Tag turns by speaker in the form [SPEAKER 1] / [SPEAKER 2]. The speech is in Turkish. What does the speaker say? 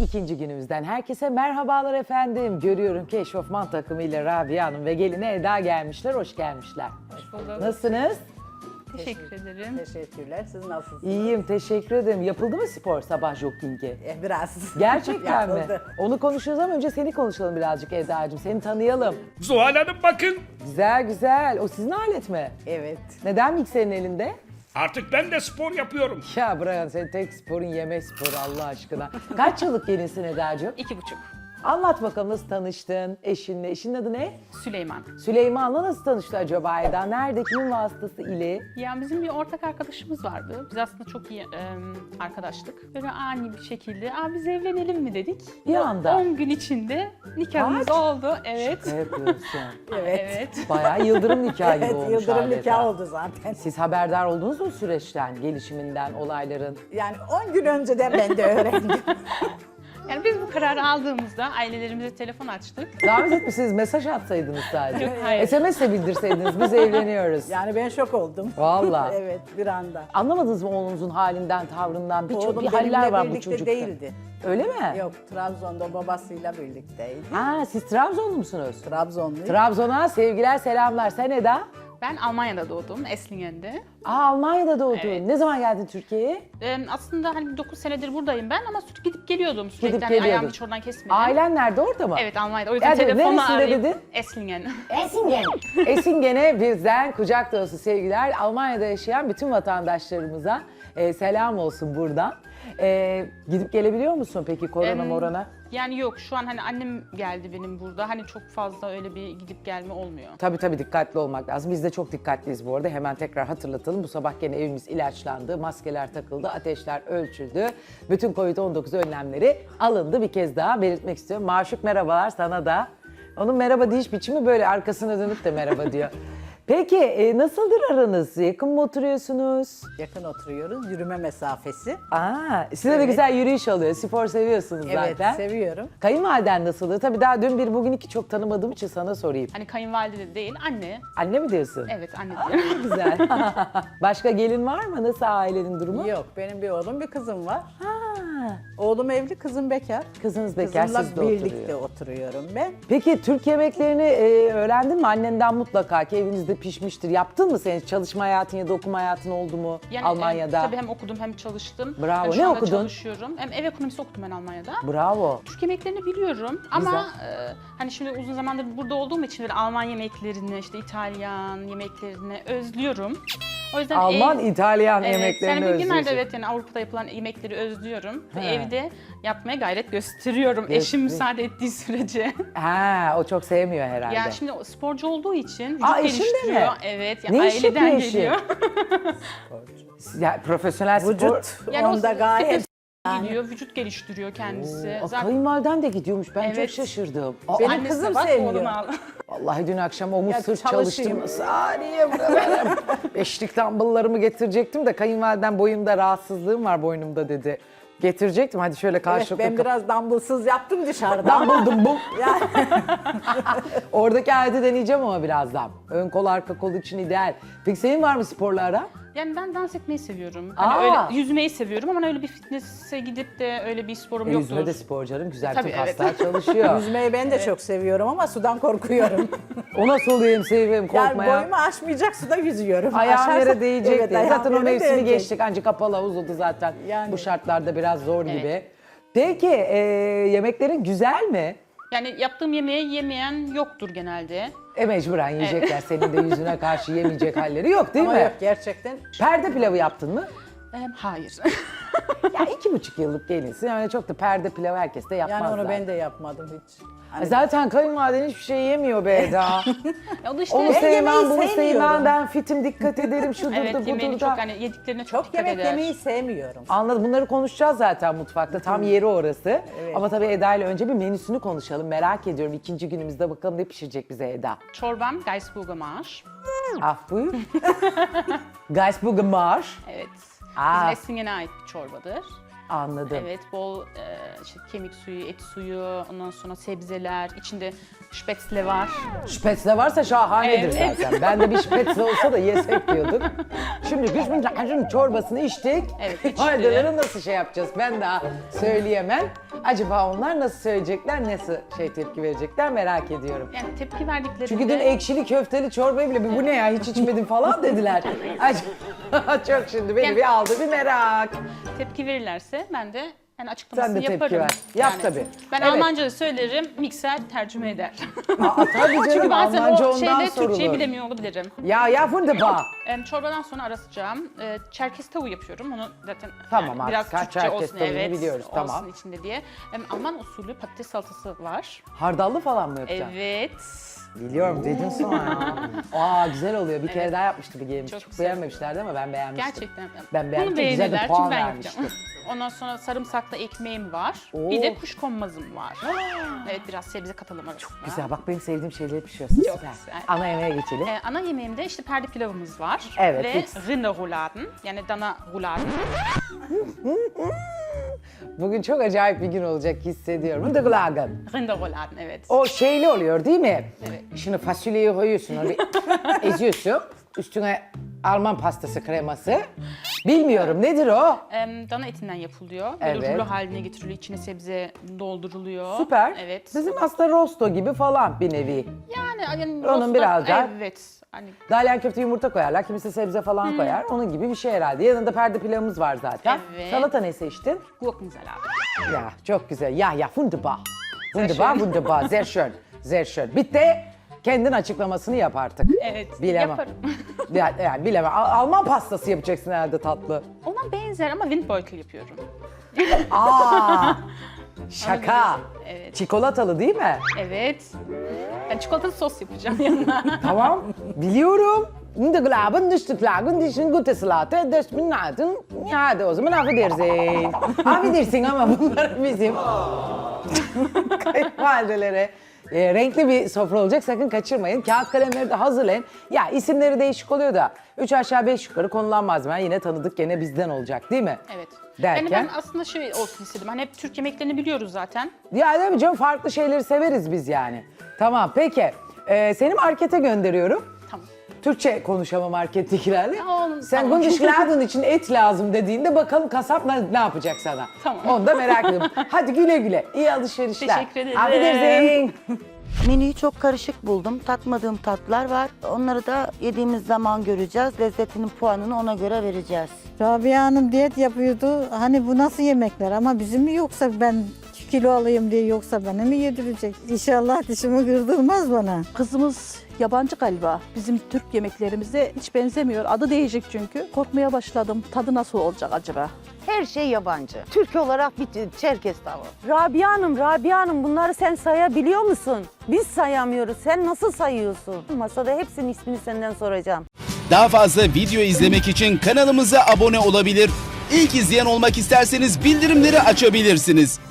[SPEAKER 1] İkinci günümüzden herkese merhabalar efendim. Görüyorum ki eşofman takımıyla Rabia Hanım ve gelini Eda gelmişler. Hoş gelmişler.
[SPEAKER 2] Hoş bulduk.
[SPEAKER 1] Nasılsınız?
[SPEAKER 2] Teşekkür ederim.
[SPEAKER 3] Teşekkürler. Siz nasılsınız?
[SPEAKER 1] İyiyim, teşekkür ederim. Yapıldı mı spor sabah jogging'i?
[SPEAKER 3] Biraz.
[SPEAKER 1] Gerçekten mi?
[SPEAKER 3] Yapıldı.
[SPEAKER 1] Onu konuşuruz ama önce seni konuşalım birazcık Eda'cığım. Seni tanıyalım.
[SPEAKER 4] Zuhal Hanım bakın.
[SPEAKER 1] Güzel güzel. O sizin alet mi?
[SPEAKER 3] Evet.
[SPEAKER 1] Neden mikserin elinde?
[SPEAKER 4] Artık ben de spor yapıyorum.
[SPEAKER 1] Ya Brian senin tek sporun yemek sporu Allah aşkına. Kaç yıllık gelinsin Eda'cığım?
[SPEAKER 2] 2,5.
[SPEAKER 1] Anlat bakalım nasıl tanıştın eşinle? Eşinin adı ne?
[SPEAKER 2] Süleyman.
[SPEAKER 1] Süleyman'la nasıl tanıştı acaba Eda? Nerede? Kimin vasıtası ile?
[SPEAKER 2] Ya bizim bir ortak arkadaşımız vardı. Biz aslında çok iyi arkadaştık. Böyle ani bir şekilde, biz evlenelim mi dedik.
[SPEAKER 1] Bir anda.
[SPEAKER 2] 10 gün içinde nikahımız
[SPEAKER 1] Kaç?
[SPEAKER 2] oldu. Evet.
[SPEAKER 1] Ne yapıyorsun?
[SPEAKER 2] Evet.
[SPEAKER 1] Bayağı yıldırım nikahı gibi
[SPEAKER 3] Evet,
[SPEAKER 1] olmuş
[SPEAKER 3] yıldırım
[SPEAKER 1] adeta.
[SPEAKER 3] nikah oldu zaten.
[SPEAKER 1] Siz haberdar oldunuz mu süreçten, gelişiminden, olayların?
[SPEAKER 3] Yani 10 gün önceden ben de öğrendim.
[SPEAKER 2] Yani biz bu kararı aldığımızda ailelerimize telefon açtık.
[SPEAKER 1] Davet etmişsiniz, mesaj atsaydınız sadece.
[SPEAKER 2] Yok, hayır.
[SPEAKER 1] SMS'le bildirseydiniz, biz evleniyoruz.
[SPEAKER 3] Yani ben şok oldum.
[SPEAKER 1] Vallahi.
[SPEAKER 3] Evet, bir anda.
[SPEAKER 1] Anlamadınız mı oğlunuzun halinden, tavrından? Bir
[SPEAKER 3] Oğlum
[SPEAKER 1] haller
[SPEAKER 3] benimle
[SPEAKER 1] var bu
[SPEAKER 3] birlikte
[SPEAKER 1] çocukta.
[SPEAKER 3] değildi.
[SPEAKER 1] Öyle mi?
[SPEAKER 3] Yok, Trabzon'da babasıyla birlikteydi.
[SPEAKER 1] Ha, siz Trabzonlu musunuz?
[SPEAKER 3] Trabzonluyum.
[SPEAKER 1] Trabzon'a sevgiler, selamlar. Sen Eda?
[SPEAKER 2] Ben Almanya'da doğdum, Eslingen'de.
[SPEAKER 1] Almanya'da doğdun.
[SPEAKER 2] Evet.
[SPEAKER 1] Ne zaman geldin Türkiye'ye?
[SPEAKER 2] Aslında hani 9 senedir buradayım ben ama sürekli gidip geliyordum. Sürekli
[SPEAKER 1] Gidip
[SPEAKER 2] hani ayağımı
[SPEAKER 1] geliyordun.
[SPEAKER 2] hiç oradan kesmedim.
[SPEAKER 1] Ailen nerede, orada mı?
[SPEAKER 2] Evet, Almanya'da. O yüzden
[SPEAKER 1] Yani
[SPEAKER 2] telefonla
[SPEAKER 1] neresinde
[SPEAKER 2] arayıp...
[SPEAKER 1] dedin?
[SPEAKER 2] Esslingen.
[SPEAKER 1] Esingen. Esingen'e bizden kucak dolusu sevgiler. Almanya'da yaşayan bütün vatandaşlarımıza selam olsun buradan. Gidip gelebiliyor musun peki korona morona?
[SPEAKER 2] Yani yok, şu an hani annem geldi benim burada. Hani çok fazla öyle bir gidip gelme olmuyor.
[SPEAKER 1] Tabii dikkatli olmak lazım. Biz de çok dikkatliyiz bu arada. Hemen tekrar hatırlatalım. Bu sabah gene evimiz ilaçlandı, maskeler takıldı, ateşler ölçüldü. Bütün Covid-19 önlemleri alındı. Bir kez daha belirtmek istiyorum. Maşuk merhabalar sana da. Onun merhaba deyiş biçimi böyle arkasına dönüp de merhaba diyor. Peki nasıldır aranız? Yakın mı oturuyorsunuz?
[SPEAKER 3] Yakın oturuyoruz, yürüme mesafesi.
[SPEAKER 1] Size de
[SPEAKER 3] Evet.
[SPEAKER 1] güzel yürüyüş oluyor. Spor seviyorsunuz
[SPEAKER 3] Evet,
[SPEAKER 1] zaten.
[SPEAKER 3] seviyorum.
[SPEAKER 1] Kayınvaliden nasıldı? Tabii daha dün bir bugün iki çok tanımadığım için sana sorayım.
[SPEAKER 2] Hani kayınvalide de değil, anne.
[SPEAKER 1] Anne mi diyorsun?
[SPEAKER 2] Evet, anne diyor.
[SPEAKER 1] Güzel. Başka gelin var mı? Nasıl ailenin durumu?
[SPEAKER 3] Yok, benim bir oğlum, bir kızım var.
[SPEAKER 1] Ha,
[SPEAKER 3] Oğlum evli, kızım bekar.
[SPEAKER 1] kızınız bekar,
[SPEAKER 3] Kızımla
[SPEAKER 1] siz de
[SPEAKER 3] birlikte
[SPEAKER 1] oturuyor.
[SPEAKER 3] oturuyorum ben.
[SPEAKER 1] Peki Türk yemeklerini öğrendin mi? Annenden mutlaka ki evinizde pişmiştir. Yaptın mı sen? Hiç çalışma hayatın ya da okuma hayatın oldu mu
[SPEAKER 2] Yani,
[SPEAKER 1] Almanya'da?
[SPEAKER 2] tabii hem okudum hem çalıştım.
[SPEAKER 1] Bravo.
[SPEAKER 2] Yani şu
[SPEAKER 1] Ne
[SPEAKER 2] anda
[SPEAKER 1] okudun?
[SPEAKER 2] çalışıyorum. Hem ev ekonomisi okudum ben Almanya'da.
[SPEAKER 1] Bravo.
[SPEAKER 2] Türk yemeklerini biliyorum ama hani şimdi uzun zamandır burada olduğum için böyle Alman yemeklerini, işte İtalyan yemeklerini özlüyorum. O yüzden
[SPEAKER 1] Alman, İtalyan
[SPEAKER 2] evet,
[SPEAKER 1] yemeklerini
[SPEAKER 2] yani genelde
[SPEAKER 1] özlüyorsun.
[SPEAKER 2] evet, yani Avrupa'da yapılan yemekleri özlüyorum. Ve
[SPEAKER 1] He.
[SPEAKER 2] evde yapmaya gayret gösteriyorum. Eşim müsaade ettiği sürece.
[SPEAKER 1] Ha, o çok sevmiyor herhalde.
[SPEAKER 2] Yani şimdi o sporcu olduğu için vücut
[SPEAKER 1] Eşin de mi?
[SPEAKER 2] geliştiriyor. Evet, yani
[SPEAKER 1] Ne iş
[SPEAKER 2] aileden
[SPEAKER 1] yapıyor eşi?
[SPEAKER 2] geliyor.
[SPEAKER 1] Ya, profesyonel spor.
[SPEAKER 3] Vücut
[SPEAKER 2] Yani o
[SPEAKER 3] onda gayet.
[SPEAKER 2] gidiyor, vücut geliştiriyor kendisi.
[SPEAKER 1] Aa, kayınvaliden de gidiyormuş. Ben çok
[SPEAKER 2] Evet.
[SPEAKER 1] şaşırdım.
[SPEAKER 3] Benim
[SPEAKER 2] Annesi
[SPEAKER 3] kızım
[SPEAKER 2] bak,
[SPEAKER 3] sevmiyor.
[SPEAKER 2] oğlunu al.
[SPEAKER 1] Vallahi dün akşam omuz
[SPEAKER 3] Ya
[SPEAKER 1] sırt
[SPEAKER 3] çalışayım.
[SPEAKER 1] çalıştım. Saniye buralara. Beşlik dumbbelllarımı getirecektim de kayınvaliden boyumda rahatsızlığım var boynumda dedi. Getirecektim hadi şöyle
[SPEAKER 3] Evet,
[SPEAKER 1] karşılıklı.
[SPEAKER 3] ben biraz dumbbellsız yaptım dışarıda.
[SPEAKER 1] Dumbbell.
[SPEAKER 3] Yani
[SPEAKER 1] Oradaki aleti deneyeceğim ama birazdan. Ön kol arka kol için ideal. Peki senin var mı sporla ara?
[SPEAKER 2] Yani ben dans etmeyi seviyorum. Hani
[SPEAKER 1] Aa.
[SPEAKER 2] öyle yüzmeyi seviyorum ama öyle bir fitness'e gidip de öyle bir sporum yoktur.
[SPEAKER 1] Yüzme de spor canım. Güzel
[SPEAKER 2] Tabii,
[SPEAKER 1] tüm
[SPEAKER 2] evet.
[SPEAKER 1] kaslar çalışıyor.
[SPEAKER 3] yüzmeyi ben de çok seviyorum ama sudan korkuyorum.
[SPEAKER 1] O nasıl oluyor seveyim
[SPEAKER 3] Yani
[SPEAKER 1] korkmaya.
[SPEAKER 3] boyumu aşmayacak suda yüzüyorum.
[SPEAKER 1] Ayağım
[SPEAKER 3] Aşarsa-
[SPEAKER 1] yere değecek
[SPEAKER 3] Evet,
[SPEAKER 1] diye.
[SPEAKER 3] ayağım
[SPEAKER 1] Zaten o
[SPEAKER 3] yere
[SPEAKER 1] mevsimi
[SPEAKER 3] değecek.
[SPEAKER 1] geçtik. Ancak kapalı havuz oldu zaten.
[SPEAKER 3] Yani.
[SPEAKER 1] Bu şartlarda biraz zor
[SPEAKER 2] Evet.
[SPEAKER 1] gibi. Peki yemeklerin güzel mi?
[SPEAKER 2] Yani yaptığım yemeği yemeyen yoktur genelde.
[SPEAKER 1] Mecburen yiyecekler. Senin de yüzüne karşı yemeyecek halleri yok değil
[SPEAKER 3] Ama
[SPEAKER 1] mi?
[SPEAKER 3] yok gerçekten.
[SPEAKER 1] Perde pilavı yaptın mı?
[SPEAKER 2] Hayır.
[SPEAKER 1] Ya 2,5 yıllık gelinsin. Yani çok da perde pilavı herkes de yapmaz.
[SPEAKER 3] Yani onu
[SPEAKER 1] zaten.
[SPEAKER 3] ben de yapmadım hiç. Hani
[SPEAKER 1] Zaten kayınvaliden hiçbir şey yemiyor be Eda.
[SPEAKER 2] Ya o da işte
[SPEAKER 1] Onu
[SPEAKER 3] Ben
[SPEAKER 1] sevmem,
[SPEAKER 3] yemeği
[SPEAKER 1] bunu sevmem,
[SPEAKER 3] sevmiyorum.
[SPEAKER 1] ben fitim, dikkat ederim, şudur
[SPEAKER 2] evet,
[SPEAKER 1] da
[SPEAKER 2] yemeğini
[SPEAKER 1] budur
[SPEAKER 2] çok
[SPEAKER 1] da.
[SPEAKER 2] hani yediklerine çok
[SPEAKER 3] çok
[SPEAKER 2] dikkat
[SPEAKER 3] yemek
[SPEAKER 2] eder.
[SPEAKER 3] yemeyi sevmiyorum.
[SPEAKER 1] Anladım. Bunları konuşacağız zaten mutfakta. Tam yeri orası.
[SPEAKER 3] Evet.
[SPEAKER 1] Ama tabii Eda ile önce bir menüsünü konuşalım. Merak ediyorum. İkinci günümüzde bakalım ne pişirecek bize Eda.
[SPEAKER 2] Çorbam Geisburger Marsch.
[SPEAKER 1] Ah buyur. Geisburger Marsch.
[SPEAKER 2] Evet.
[SPEAKER 1] Aa.
[SPEAKER 2] Bizim Eslingen'e ait bir çorbadır.
[SPEAKER 1] Anladım.
[SPEAKER 2] Evet, bol işte kemik suyu, et suyu, ondan sonra sebzeler, içinde spätzle var.
[SPEAKER 1] Spätzle varsa şahanedir
[SPEAKER 2] Evet.
[SPEAKER 1] zaten. Ben de bir spätzle olsa da yesek diyorduk. Şimdi Bismillahirrahmanirrahim çorbasını içtik.
[SPEAKER 2] Evet, içtik.
[SPEAKER 1] Validelere nasıl şey yapacağız ben daha söyleyemem. Acaba onlar nasıl söyleyecekler, nasıl tepki verecekler merak ediyorum.
[SPEAKER 2] Yani tepki verdiklerinde...
[SPEAKER 1] Çünkü dün ekşili köfteli çorbayı bile bu ne ya hiç içmedim falan dediler. Çok şimdi beni
[SPEAKER 2] Yani-
[SPEAKER 1] bir aldı bir merak.
[SPEAKER 2] Tepki verirlerse ben de yani
[SPEAKER 1] Sen
[SPEAKER 2] açıklamasını
[SPEAKER 1] de tepki
[SPEAKER 2] yaparım.
[SPEAKER 1] ver. Yap tabii.
[SPEAKER 2] Ben
[SPEAKER 1] Evet.
[SPEAKER 2] Almanca söylerim, mikser tercüme eder.
[SPEAKER 1] Tabii canım
[SPEAKER 2] Çünkü bazen
[SPEAKER 1] Almanca
[SPEAKER 2] o
[SPEAKER 1] ondan
[SPEAKER 2] şeyde Türkçeyi
[SPEAKER 1] sorulur.
[SPEAKER 2] bilemiyor olabilirim.
[SPEAKER 1] Ya wunderbar.
[SPEAKER 2] Çorbadan sonra arasacağım. Çerkez tavuğu yapıyorum. Onu zaten
[SPEAKER 1] Tamam
[SPEAKER 2] yani biraz
[SPEAKER 1] artık,
[SPEAKER 2] Türkçe
[SPEAKER 1] Çerkez
[SPEAKER 2] olsun.
[SPEAKER 1] tavuğunu
[SPEAKER 2] Evet,
[SPEAKER 1] biliyoruz,
[SPEAKER 2] olsun
[SPEAKER 1] tamam.
[SPEAKER 2] içinde diye. Alman usulü patates salatası var.
[SPEAKER 1] Hardallı falan mı yapacaksın?
[SPEAKER 2] Evet.
[SPEAKER 1] Biliyorum dedin sonra. Güzel oluyor. Bir kere daha yapmıştı bir gelmiş. Çok,
[SPEAKER 2] Çok güzel.
[SPEAKER 1] beğenmemişlerdi ama ben beğenmiştim.
[SPEAKER 2] Gerçekten.
[SPEAKER 1] Ben beğendim.
[SPEAKER 2] Bunu
[SPEAKER 1] Çok güzel de
[SPEAKER 2] beğenirler
[SPEAKER 1] puan
[SPEAKER 2] çünkü ben
[SPEAKER 1] vermiştim.
[SPEAKER 2] yapacağım. Ondan sonra sarımsaklı ekmeğim var.
[SPEAKER 1] Oo.
[SPEAKER 2] Bir de kuşkonmazım var. Evet, biraz sebze katalım arasında.
[SPEAKER 1] Güzel bak benim sevdiğim şeyleri pişiriyorsun.
[SPEAKER 2] Çok
[SPEAKER 1] Süper.
[SPEAKER 2] güzel.
[SPEAKER 1] Ana yemeğe geçelim.
[SPEAKER 2] Ana yemeğimde işte perde pilavımız var.
[SPEAKER 1] Evet,
[SPEAKER 2] Ve
[SPEAKER 1] fix.
[SPEAKER 2] rinderrouladen, yani dana rouladen.
[SPEAKER 1] Bugün çok acayip bir gün olacak hissediyorum. Wunderglagen.
[SPEAKER 2] Rinderrouladen, evet.
[SPEAKER 1] O şeyli oluyor değil mi?
[SPEAKER 2] Evet.
[SPEAKER 1] Şimdi fasulyeyi koyuyorsun, onu bir eziyorsun. Üstüne Alman pastası kreması. Bilmiyorum nedir o?
[SPEAKER 2] Dana etinden yapılıyor. Böyle
[SPEAKER 1] Evet.
[SPEAKER 2] rulo haline getiriliyor. İçine sebze dolduruluyor.
[SPEAKER 1] Süper.
[SPEAKER 2] Evet.
[SPEAKER 1] Bizim aslında rosto gibi falan bir nevi.
[SPEAKER 2] Yani
[SPEAKER 1] Onun
[SPEAKER 2] rosto-
[SPEAKER 1] biraz daha-
[SPEAKER 2] Evet. Hani
[SPEAKER 1] Dalyan köfte yumurta koyarlar, kimisi sebze falan koyar. Onun gibi bir şey herhalde. Yanında perde pilavımız var zaten.
[SPEAKER 2] Evet.
[SPEAKER 1] Salata ne seçtin?
[SPEAKER 2] Gurkensalat.
[SPEAKER 1] Ya çok güzel. Ya wunderbar. Wunderbar, wunderbar. Sehr schön. Sehr schön. Bitti. Kendin açıklamasını yap artık.
[SPEAKER 2] Evet.
[SPEAKER 1] Bilemem.
[SPEAKER 2] Yaparım.
[SPEAKER 1] Yani bilemem. Alman pastası yapacaksın herhalde tatlı.
[SPEAKER 2] Ona benzer ama Windbeutel yapıyorum.
[SPEAKER 1] Şaka.
[SPEAKER 2] Evet.
[SPEAKER 1] Çikolatalı değil mi?
[SPEAKER 2] Evet. Ben çikolatalı sos yapacağım yanına.
[SPEAKER 1] Tamam. Biliyorum. In der Glauben, durch die Klagen, durch die gute Salate, durch die Naten. Ya hadi o zaman affedersin. Affedersin ama bunlar bizim kayınvalidelere. Renkli bir sofra olacak sakın kaçırmayın. Kağıt kalemleri de hazırlayın. Ya isimleri değişik oluyor da 3 aşağı 5 yukarı konulan malzemeler yine tanıdık gene bizden olacak değil mi?
[SPEAKER 2] Evet.
[SPEAKER 1] Derken?
[SPEAKER 2] Yani ben aslında şey olsun istedim. Hani hep Türk yemeklerini biliyoruz zaten.
[SPEAKER 1] Ya değil mi canım farklı şeyleri severiz biz yani. Tamam peki. Seni markete gönderiyorum.
[SPEAKER 2] Tamam.
[SPEAKER 1] Türkçe konuşama markettekilerle.
[SPEAKER 2] Tamam,
[SPEAKER 1] Sen
[SPEAKER 2] tamam.
[SPEAKER 1] Gundischladen için et lazım dediğinde bakalım kasap ne yapacak sana.
[SPEAKER 2] Tamam.
[SPEAKER 1] Onu da merak ediyorum. Hadi güle güle. İyi alışverişler.
[SPEAKER 2] Teşekkür ederim.
[SPEAKER 1] Affedersin.
[SPEAKER 5] Menüyü çok karışık buldum. Tatmadığım tatlar var. Onları da yediğimiz zaman göreceğiz. Lezzetinin puanını ona göre vereceğiz.
[SPEAKER 6] Rabia Hanım diyet yapıyordu. Hani bu nasıl yemekler ama bizim mi yoksa ben kilo alayım diye yoksa bana mı yedirecek? İnşallah dişimi kırdırmaz bana.
[SPEAKER 7] Kızımız yabancı galiba. Bizim Türk yemeklerimize hiç benzemiyor. Adı değişik çünkü. Korkmaya başladım. Tadı nasıl olacak acaba?
[SPEAKER 8] Her şey yabancı. Türk olarak bir Çerkez tavuğu.
[SPEAKER 9] Rabia Hanım bunları sen sayabiliyor musun? Biz sayamıyoruz. Sen nasıl sayıyorsun? Masada hepsinin ismini senden soracağım.
[SPEAKER 10] Daha fazla video izlemek için kanalımıza abone olabilir. İlk izleyen olmak isterseniz bildirimleri açabilirsiniz.